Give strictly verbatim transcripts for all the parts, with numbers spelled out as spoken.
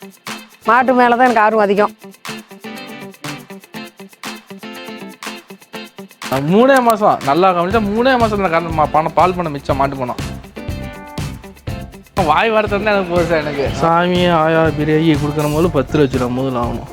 மாட்டு மேலே தான் எனக்கு ஆர்வம் அதிகம். மூணே மாதம் நல்லா கவனிச்சா மூணே மாதம் பணம் பால் பண்ண மிச்சம் மாட்டு போனோம். வாய் வார்த்தை எனக்கு போகுது சார். எனக்கு சாமி ஆயா பிரியாணி கொடுக்குற போது பத்து லட்ச ரூபா முதல்ல ஆகணும்.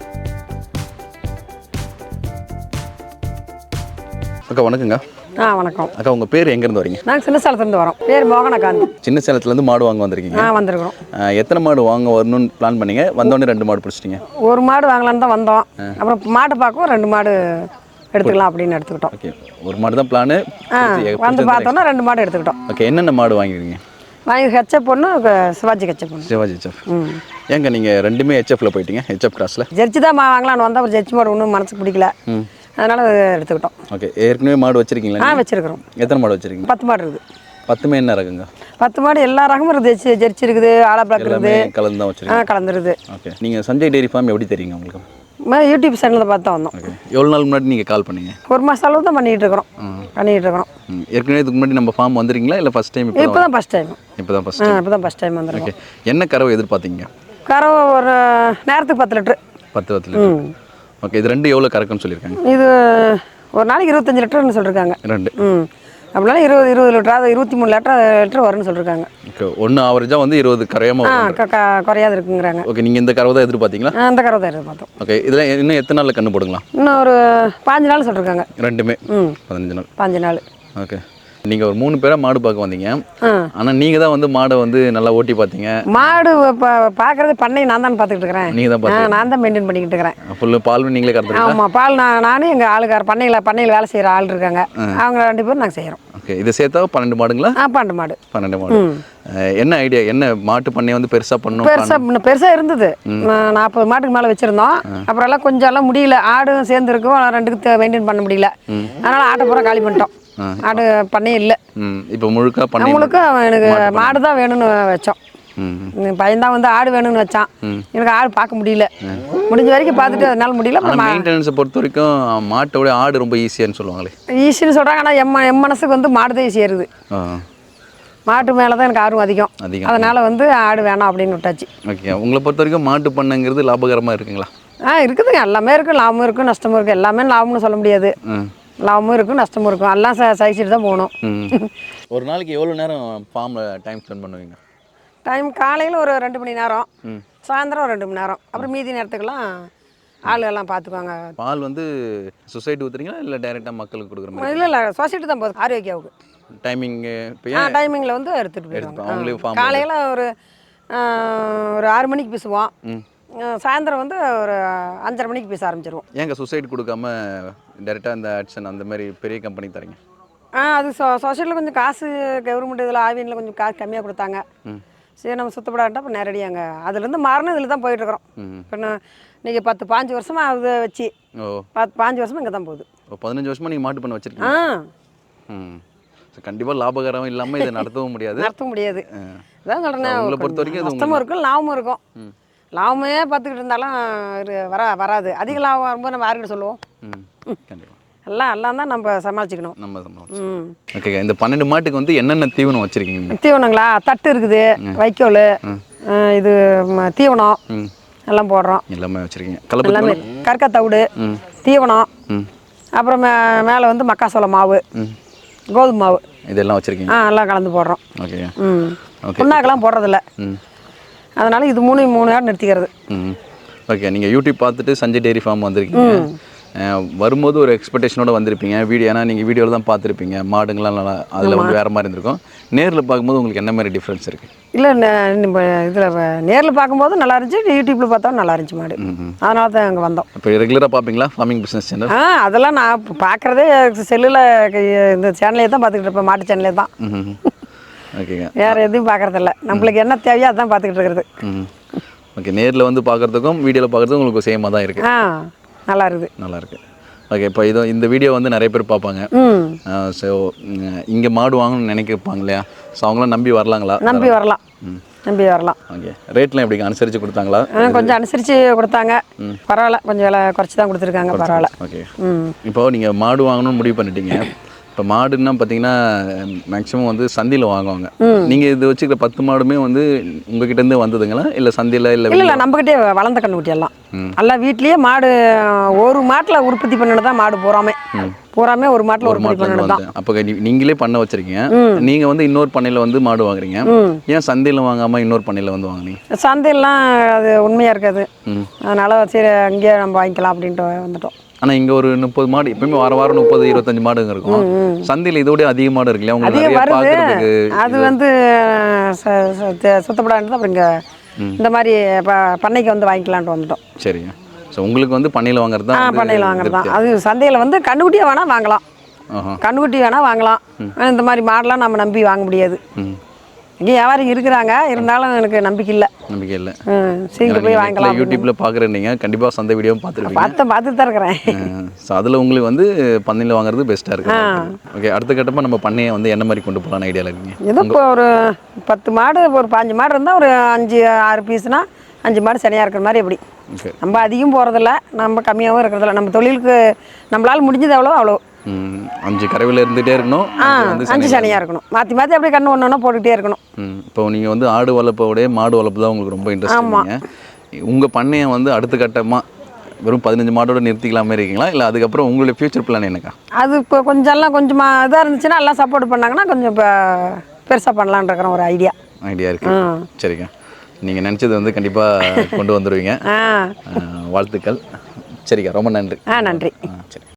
அக்கா வணக்கங்க. ஆ வணக்கம் அக்கா, உங்கள் பேர் எங்கேருந்து வரீங்க? நாங்கள் சின்ன சேலத்துலேருந்து வரோம். பேர் மோகனகாந்தி. சின்ன சேலத்துலேருந்து மாடு வாங்க வந்திருக்கீங்க? ஆ வந்திருக்கிறோம். எத்தனை மாடு வாங்க வரணும்னு பிளான் பண்ணீங்க? வந்தோடனே ரெண்டு மாடு பிடிச்சிட்டிங்க? ஒரு மாடு வாங்கலான்னு தான் வந்தோம். அப்புறம் மாடு பார்க்கவும் ரெண்டு மாடு எடுத்துக்கலாம் அப்படின்னு எடுத்துக்கிட்டோம். ஓகே, ஒரு மாடு தான் பிளானு. ஆ வந்து பார்த்தோன்னா ரெண்டு மாடு எடுத்துக்கிட்டோம். ஓகே, என்னென்ன மாடு வாங்கிருக்கீங்க? வாங்கி ஹெச்எப் ஒன்று, சிவாஜி ஹெச்எப் ஒன்று. சிவாஜி ஹெச்எப். ஏங்க நீங்கள் ரெண்டுமே ஹெச்எஃப்ல போயிட்டீங்க? ஹெச்எஃப் கிராஸில் ஜெர்சி தான் வாங்கலான்னு வந்தால் ஒரு ஜெர்சி மாடு ஒன்றும் மனசுக்கு பிடிக்கல, அதனால் எடுத்துக்கிட்டோம். ஓகே, ஏற்கனவே மாடு வச்சிருக்கீங்களா? ஆ வச்சிருக்கிறோம். எத்தனை மாடு வச்சிருக்கீங்க? பத்து மாடு இருக்குது. பத்துமே என்ன ரகங்க? பத்து மாடு எல்லா ரகமும் இருக்குது. ஜெர்சி ஜெர்சி இருக்குது, ஆலா பிளாக் இருக்குது, கலந்து தான் ஆ வச்சிருக்கீங்க? கலந்துருது. ஓகே, நீங்கள் சஞ்சய் டெய்ரி ஃபார்ம் எப்படி தெரியுங்க உங்களுக்கு? யூடியூப் சேனலில் பார்த்து தான் வந்தோம். ஓகே, எவ்வளோ நாள் முன்னாடி நீங்கள் கால் பண்ணீங்க? ஒரு மாதம் அளவு தான் பண்ணிகிட்டு இருக்கிறோம் பண்ணிகிட்டு இருக்கிறோம். ஏற்கனவே இதுக்கு முன்னாடி நம்ம ஃபார்ம் வந்துருக்கீங்களா இல்லை ஃபஸ்ட் டைம்? இப்போ தான் ஃபஸ்ட் டைம். இப்போ தான் ஃபஸ்ட் ஆ டைம். இப்போ தான் ஃபஸ்ட் டைம் வந்துருக்கோம். ஓகே, என்ன கறவை எதிர்பார்த்தீங்க? கறவை ஒரு நேரத்துக்கு பத்து லிட்ரு. பத்து பத்து லிட்டர். ஓகே, இது ரெண்டு எவ்வளோ கறக்குன்னு சொல்லியிருக்காங்க? இது ஒரு நாளைக்கு இருபத்தஞ்சி லிட்டர்னு சொல்லியிருக்காங்க. ரெண்டு. ம் அப்படினால இருபது இருபது லிட்டர், அது இருபத்தி மூணு லிட்டர் லிட்டர் வரும்னு சொல்லியிருக்காங்க. ஓகே, ஒன்று ஆவரேஜாக வந்து இருபது கரையாமல் ஆ வரும். க குறையாது இருக்குங்கிறாங்க. ஓகே, நீங்கள் இந்த கறவை தான் எதிர்பார்த்தீங்களா? அந்த கறவை தான் எதிர்பார்த்தோம். ஓகே, இதில் இன்னும் எத்தனை நாளில் கண்ணு போடுங்களா? இன்னும் ஒரு பாஞ்சு நாள் சொல்லியிருக்காங்க. ரெண்டுமே ம் பதினஞ்சு நாள். பாஞ்சு நாள். ஓகே, நீங்கள் ஒரு மூணு பேராக மாடு பார்க்க வந்தீங்க. ஆனால் நீங்கள் தான் வந்து மாடை வந்து நல்லா ஓட்டி பார்த்தீங்க. மாடு இப்போ பார்க்குறது பண்ணை நான் தான் பார்த்துக்கிட்டு இருக்கிறேன். நீங்கள் தான் பார்த்து நான் தான் மெயின்டைன் பண்ணிக்கிட்டு இருக்கிறேன். ஃபுல்லு பால் நீங்களே கறந்துருக்கீங்க? ஆமாம், பால் நான் நானும் எங்கள் ஆளுக்கார பண்ணையில் பண்ணையில் வேலை செய்கிற ஆள் இருக்காங்க, அவங்க ரெண்டு பேரும் நாங்கள் செய்கிறோம். ஓகே, இதை சேர்த்தா பன்னெண்டு மாடுங்களா? ஆ பன்னெண்டு மாடு. பன்னெண்டு மாடு. என்ன ஐடியா? என்ன மாட்டு பண்ணையை வந்து பெருசாக பண்ணணும்? பெருசாக பெருசாக இருந்தது. நாற்பது மாட்டுக்கு மேலே வச்சுருந்தோம். அப்புறம் எல்லாம் கொஞ்சம் எல்லாம் முடியல, ஆடும் சேர்ந்து இருக்கும், ரெண்டுக்கு மெயின்டைன் பண்ண முடியல. அதனால் ஆட்டை பூரா காலி பண்ணிட்டோம். ஆடு பண்ணையே இல்லை. இப்போ முழுக்க பண்ணை முழுக்க எனக்கு மாடு தான் வேணும்னு வச்சோம். பையன்தான் வந்து ஆடு வேணும்னு வச்சான். எனக்கு ஆடு பார்க்க முடியல, முடிஞ்ச வரைக்கும் பார்த்துட்டு அதனால முடியல. மெயின்டெனன்ஸை பொறுத்த வரைக்கும் மாட்டோட ஆடு ரொம்ப ஈஸியான்னு சொல்லுவாங்களே. ஈஸின்னு சொல்கிறாங்க, ஆனால் எம் எம் மனசுக்கு வந்து மாடு தான் ஈஸியாக இருக்குது. மாட்டு மேலே தான் எனக்கு ஆர்வம் அதிகம் அதிகம் அதனால் வந்து ஆடு வேணாம் அப்படின்னு விட்டாச்சு. ஓகே, உங்களை பொறுத்த வரைக்கும் மாட்டு பண்ணைங்கிறது லாபகரமாக இருக்குங்களா? ஆ இருக்குதுங்க, எல்லாமே இருக்குது. லாபமும் இருக்கும் நஷ்டமும் இருக்குது. எல்லாமே லாபம்னு சொல்ல முடியாது. லாபமும் இருக்கும் நஷ்டமும் இருக்கும், எல்லாம் ச சகிச்சுட்டு தான் போகணும். ஒரு நாளைக்கு எவ்வளோ நேரம் ஃபார்மில் டைம் ஸ்பெண்ட் பண்ணுவீங்க? டைம் காலையில் ஒரு ரெண்டு மணி நேரம், சாயந்தரம் ஒரு ரெண்டு மணி நேரம், அப்புறம் மீதி நேரத்துக்கெல்லாம் ஆளுகள்லாம் பார்த்துக்குவாங்க. பால் வந்து சொசைட்டி ஊற்றுறீங்களா இல்லை டைரெக்டாக மக்களுக்கு கொடுக்குற மாதிரி? இல்லை இல்லை சொசைட்டி தான் போகுது. ஆரோக்கியாவுக்கு டைமிங்கு ஆ டைமிங்கில் வந்து எடுத்துகிட்டு போயிடுவாங்க. காலையில் ஒரு ஒரு ஆறு மணிக்கு பேசுவோம், சாயந்தரம் வந்து ஒரு அஞ்சரை மணிக்கு பேச ஆரம்பிச்சிருவோம். ஏங்க சொசைட்டி கொடுக்காம டேரெக்டாக இந்த ஆட்சன் அந்த மாதிரி பெரிய கம்பெனி தரீங்க? ஆ அது சொ சொசைட்டியில் கொஞ்சம் காசு கவர்மெண்ட் இதில் ஆவியனில் கொஞ்சம் காசு கம்மியாக கொடுத்தாங்க. சரி நம்ம சுத்தப்படாட்டா இப்போ நேரடியாங்க அதுலேருந்து மாறினு இதில் தான் போயிட்டுருக்குறோம். இப்போ இன்றைக்கி பத்து பாஞ்சு வருஷமாக அதை வச்சு ஓ பத்து பாஞ்சு வருஷமாக இங்கே தான் போகுது. ஓ பதினஞ்சு வருஷமாக நீங்கள் மாட்டு பண்ண வச்சுருக்கீங்க? ஆ ம் கண்டிப்பாக லாபகரம் இல்லாமல் இதை நடத்தவும் முடியாது. நடத்தவும் முடியாது. அதான் சொல்கிறேன், உங்களை பொறுத்த வரைக்கும் நஷ்டமும் இருக்கும் லாபமும் இருக்கும். லாபமே பார்த்துக்கிட்டு இருந்தாலும் வர வராது. அதிக லாபம் வரும்போது நம்ம யாருக்கிட்ட சொல்லுவோம்? கண்டிப்பாக எல்லாம் எல்லாம் தான் நம்ம சமாளிச்சுக்கணும். நம்ம சமாளிச்சு. ஓகே, இந்த பன்னெண்டு மாட்டுக்கு வந்து என்னென்ன தீவனம் வச்சுருக்கீங்க? தீவனங்களா? தட்டு இருக்குது, வைக்கோல், இது தீவனம் எல்லாம் போடுறோம். எல்லாமே வச்சுருக்கீங்க? எல்லாமே கற்கத்தவிடு தீவனம், அப்புறம் மே மேலே வந்து மக்காசோள மாவு, கோதுமை மாவு இதெல்லாம் வச்சுருக்கீங்க? ஆ எல்லாம் கலந்து போடுறோம். ஓகே. ம் புண்ணாக்கெல்லாம் போடுறதில்ல, அதனால் இது மூணு மூணு நேரம் நிறுத்திக்கிறது. ம் ஓகே, நீங்கள் யூடியூப் பார்த்துட்டு சஞ்சய் டெய்ரி ஃபார்ம் வந்திருக்கீங்க. வரும்போது ஒரு எக்ஸ்பெக்டேஷனோடு வந்திருப்பீங்க வீடியோ, ஏன்னா நீங்கள் வீடியோவில் தான் பார்த்துருப்பீங்க மாடுங்களாம் நல்லா அதில் வந்து வேறு மாதிரி இருந்திருக்கும். நேரில் பார்க்கும்போது உங்களுக்கு என்ன மாதிரி டிஃப்ரென்ஸ் இருக்குது? இல்லை இதில் நேரில் பார்க்கும்போது நல்லா இருந்துச்சு, யூடியூப்பில் பார்த்தா நல்லா இருந்துச்சு மாடு, அதனால தான் அங்கே வந்தோம். இப்போ ரெகுலராக பார்ப்பீங்களா ஃபார்மிங் பிஸ்னஸ் சேனல்? ஆ அதெல்லாம் நான் பார்க்குறதே செல்லில் இந்த சேனலே தான் பார்த்துக்கிட்டு இருப்பேன், மாட்டு சேனலே தான். ஓகேங்க, வேறு எதுவும் பார்க்குறதில்ல, நம்மளுக்கு என்ன தேவையோ அதான் பார்த்துக்கிட்டு இருக்கிறது. ஓகே, நேரில் வந்து பார்க்குறதுக்கும் வீடியோவில் பார்க்குறதுக்கும் உங்களுக்கு சேமாக தான் இருக்குது? ஆ நல்லா இருக்குது. நல்லா இருக்குது. ஓகே, இப்போ இதோ இந்த வீடியோ வந்து நிறைய பேர் பார்ப்பாங்க. ஸோ இங்கே மாடு வாங்கணும்னு நினைக்கிருப்பாங்க இல்லையா? ஸோ அவங்களாம் நம்பி வரலாங்களா? நம்பி வரலாம், நம்பி வரலாம். ஓகே, ரேட்லாம் எப்படி அனுசரித்து கொடுத்தாங்களா? கொஞ்சம் அனுசரித்து கொடுத்தாங்க, பரவாயில்ல, கொஞ்சம் விலை குறைச்சி தான் கொடுத்துருக்காங்க, பரவாயில்ல. ஓகே, இப்போ நீங்கள் மாடு வாங்கணும்னு முடிவு பண்ணிட்டீங்க, இப்போ மாடுன்னா பார்த்தீங்கன்னா மேக்ஸிமம் வந்து சந்தையில் வாங்குவாங்க. நீங்கள் இது வச்சுக்கிற பத்து மாடுமே வந்து உங்ககிட்ட இருந்து வந்ததுங்களா இல்லை சந்தையில் இல்லை? இல்லை இல்லை நம்மக்கிட்டே வளர்ந்த கண்ணுக்குட்டி எல்லாம் எல்லாம் வீட்லேயே மாடு ஒரு மாட்டில் உற்பத்தி பண்ணிட்டு தான் மாடு பூராமே பூராமே ஒரு மாட்டில் உற்பத்தி பண்ணிட்டு தான். அப்போ நீங்களே பண்ண வச்சுருக்கீங்க. நீங்கள் வந்து இன்னொரு பண்ணையில் வந்து மாடு வாங்குறீங்க. ஏன் சந்தையில் வாங்காமல் இன்னொரு பண்ணையில் வந்து வாங்குனீங்க? சந்தையெல்லாம் அது உண்மையாக இருக்காது, அதனால் சரி அங்கேயே நம்ம வாங்கிக்கலாம் அப்படின்ட்டு வந்துட்டோம். ஆனால் இங்கே ஒரு முப்பது மாடு எப்பயுமே வார வாரம் முப்பது இருபத்தஞ்சு மாடுங்க இருக்கும். சந்தையில் இதோட அதிக மாடு இருக்கு இல்லையா? உங்களுக்கு வருது அது வந்து சுத்தப்படாது. அப்புறம் இங்கே இந்த மாதிரி பண்ணைக்கு வந்து வாங்கிக்கலான்ட்டு வந்துட்டோம். சரிங்க. ஸோ உங்களுக்கு வந்து பண்ணையில் வாங்குறது தான்? பண்ணையில் வாங்குறது தான். அது சந்தையில் வந்து கண்ணுக்குட்டியை வேணால் வாங்கலாம், கண்ணுக்குட்டி வேணால் வாங்கலாம். இந்த மாதிரி மாடெலாம் நம்ம நம்பி வாங்க முடியாது. இங்கே வியாபாரம் இருக்கிறாங்க, இருந்தாலும் எனக்கு நம்பிக்கை இல்லை. நம்பிக்கை இல்லை. சீக்கிரம் போய் வாங்கலாம். யூடியூப்ல பார்க்குறீங்க, கண்டிப்பாக சந்தை வீடியோவும் பார்த்துருப்பீங்க. பார்த்து பார்த்துட்டு தான் இருக்கிறேன். ஸோ அதில் உங்களுக்கு வந்து பண்ணையில் வாங்குறது பெஸ்ட்டாக இருக்கு. ஓகே, அடுத்த கட்டமாக நம்ம பண்ணையை வந்து என்ன மாதிரி கொண்டு போகலான்னு ஐடியாவில் இருக்கீங்க? ஏதோ இப்போ ஒரு பத்து மாடு ஒரு பாஞ்சு மாடு இருந்தால் ஒரு அஞ்சு ஆறு பீஸ்னா அஞ்சு மாடு சரியாக இருக்கிற மாதிரி எப்படி. நம்ம அதிகம் போகிறதில்ல, நம்ம கம்மியாகவும் இருக்கிறதில்ல. நம்ம தொழிலுக்கு நம்மளால் முடிஞ்சது எவ்வளோ அவ்வளோ. அஞ்சு கறவையில் இருந்துகிட்டே இருக்கணும், அஞ்சு சனியாக இருக்கணும், மாற்றி மாற்றி அப்படியே கண்ணு ஒன்று ஒன்றா போட்டுக்கிட்டே இருக்கணும். இப்போ நீங்கள் வந்து ஆடு வளர்ப்போடைய மாடு வளர்ப்பு தான் உங்களுக்கு ரொம்ப இன்ட்ரெஸ்ட். ஆமாம். உங்கள் பண்ணையை வந்து அடுத்த கட்டமாக வெறும் பதினஞ்சு மாடோட நிறுத்திக்கலாமே இருக்கீங்களா, இல்லை அதுக்கப்புறம் உங்களுடைய ஃபியூச்சர் பிளான் என்னக்கா? அது இப்போ கொஞ்சம்லாம் கொஞ்சமாக இதாக இருந்துச்சுன்னா எல்லாம் சப்போர்ட் பண்ணாங்கன்னா கொஞ்சம் இப்போ பெருசாக பண்ணலான்னு இருக்கிற ஒரு ஐடியா ஐடியா இருக்கு. சரிங்க, நீங்கள் நினச்சது வந்து கண்டிப்பாக கொண்டு வந்துடுவீங்க. வாழ்த்துக்கள். சரிக்கா, ரொம்ப நன்றி. ஆ நன்றி. சரி.